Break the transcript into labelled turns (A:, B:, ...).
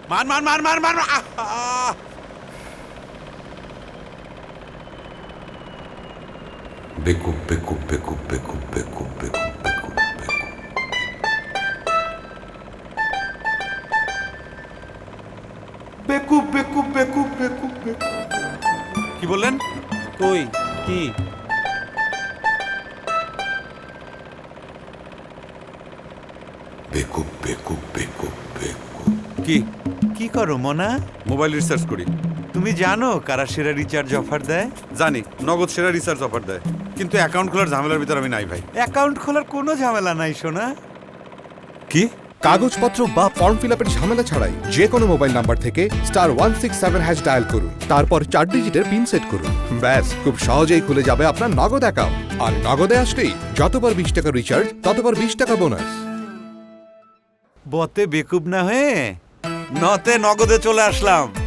A: মান মান মান মান মান বেকুব বেকুব বেকুব বেকুব বেকুব বেকুব বেকুব বেকুব বেকুব বেকুব বেকুব বেকুব। কি বললেন?
B: কই কি?
A: বেকুব বেকুব বেকুব বেকুব।
C: কি কি করো মনা?
A: মোবাইল রিসার্চ করি।
C: তুমি জানো কারা সেরা রিচার্জ অফার দেয়?
A: জানি নগদ সেরা রিসার্চ অফার দেয়, কিন্তু অ্যাকাউন্ট খোলার ঝামেলার ভিতর আমি নাই ভাই।
C: অ্যাকাউন্ট খোলার কোনো ঝামেলা নাই সোনা।
A: কি?
D: কাগজপত্র বা ফর্ম ফিল আপের ঝামেলা ছাড়াই যে কোনো মোবাইল নাম্বার থেকে *167# ডায়াল করুন, তারপর 4 ডিজিটের পিন সেট করুন। ব্যাস, খুব সহজেই খুলে যাবে আপনার নগদ অ্যাকাউন্ট। আর নগদে আসলেই যতবার 20 টাকা রিচার্জ ততবার 20 টাকা বোনাস।
C: বতে বেকুব না হয়ে নতে নগদে চলে আসলাম।